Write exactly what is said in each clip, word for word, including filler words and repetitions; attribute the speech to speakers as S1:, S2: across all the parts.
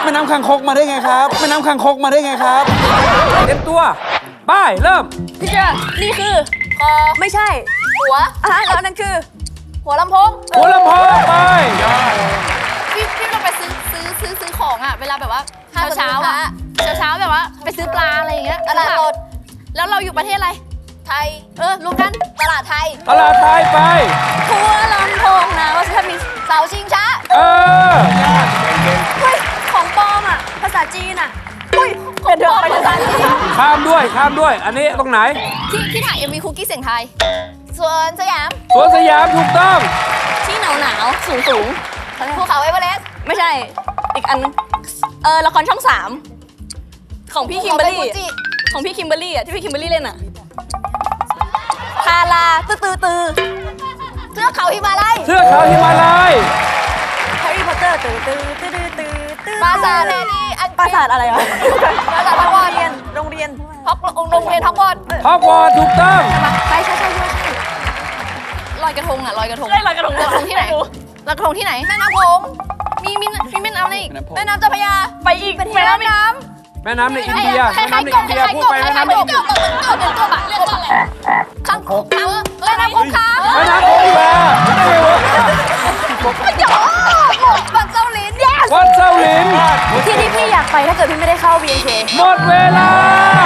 S1: แม่น้ำคางคกมาได้ไงครับแม่น้ำคางคกมาได้ไงครับเต็มตัวไปเริ่ม
S2: พี่เจอนี่คือคอไม่ใช่หัวอ่ะแล้วนั่นคือ หัวลำโพง
S1: หัวลำโพงไป
S2: พี่พี่เราไปซื้อซื้อซื้อซื้อของอ่ะเวลาแบบว่าเช้าเช้าอ่ะเช้าเช้าแบบว่าไปซื้อปลาอะไรอย่างเงี้ยตลาดสดแล้วเราอยู่ประเทศอะไรไทยเออรวมกันตลาดไทย
S1: ตลาดไทยไป
S2: หัวลำโพงนะว่าถ้ามีเสาชิงช้า
S1: เออ
S2: เฮ้ยของปลอมอ่ะภาษาจีนอ่ะอุ้ยเดี๋ยวไปภาษาจีน
S1: ข้ามด้วยข้ามด้วยอันนี้ตรงไหน
S2: ที่ที่ถ่ายเอ็มวีคุกกี้เสียงไทยสวนสยาม
S1: สวนสยามถูกต้อง
S2: ที่หนาวหนาวสูงสูงภูเขาเอเวอเรสต์ไม่ใช่อีกอันนึงเออละครช่องสามของพี่คิมเบอร์รี่ของพี่คิมเบอร์รี่อ่ะที่พี่คิมเบอร์รี่เล่นอ่ะพาราตื้อตื้อตื้อเทือกเขาหิมาลัย
S1: เทือกเขาหิมาลัย
S2: แฮร์รี่พอตเตอร์ตื้อตื้อตื้อตื้อตื้อปราสาทแฮร์รี่ปราสาทอะไรวะปราสาทฮอกวอตส์เรียนโรงเรียนฮอกโรงเรียนฮอกวอตส์
S1: ฮอกวอตส์ถูกต้อง
S2: ใช่ใช่ใช่ใช่ลอยกระทงอ่ะลอยกระทงลอยกระทงลอยกระทงที่ไหนลอยกระทงที่ไหนแม่น้ำโขงมีมีมีแม่น้ำอะไรอีกแม่น้ำเจ้าพระยาไปอีกแม่น้ำน้ำ
S1: แม่น้ำในอินเดีย
S2: คล้าย
S1: แม่
S2: ๆ
S1: น้ำใน
S2: กบ
S1: อินเดีย
S2: คล้าย
S1: พู
S2: ๆ
S1: ด
S2: กบ
S1: ไป
S2: ค
S1: แม่
S2: ล้าย
S1: น้ำ
S2: ๆ
S1: ใน
S2: กบกบกบกบอ่ะเรียกว่าอะไรคังคกแม่น้ำคงคา
S1: แม่น้ำคงคาไม่ได้วะ
S2: ไม่หยอกวัดเจ้าลิ้น yes
S1: วัดเจ้าหลิน
S2: ที่ที่พี่อยากไปถ้าเกิดพี่ไม่ได้เข้า บี เอ็น เค
S1: หมดเวลา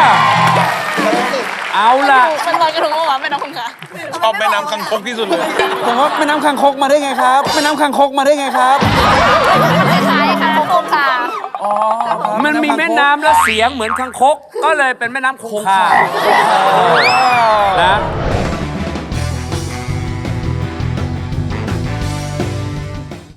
S1: เอาล่ะ
S2: มันลอยกระทงว่าวะแม่น้ำคงคา
S3: ชอบแม่น้ำคังคกที่สุดเลย
S1: ผมว่าแม่น้ำคางคกมาได้ไงครับแม่น้ำคางคกมาได้ไงครับ
S2: ไม่ใช่ค่ะคงคา
S1: มันมีแม่น้ำแล้วเสียงเหมือนคางคกก็เลยเป็นแม่น้ำคงคานะ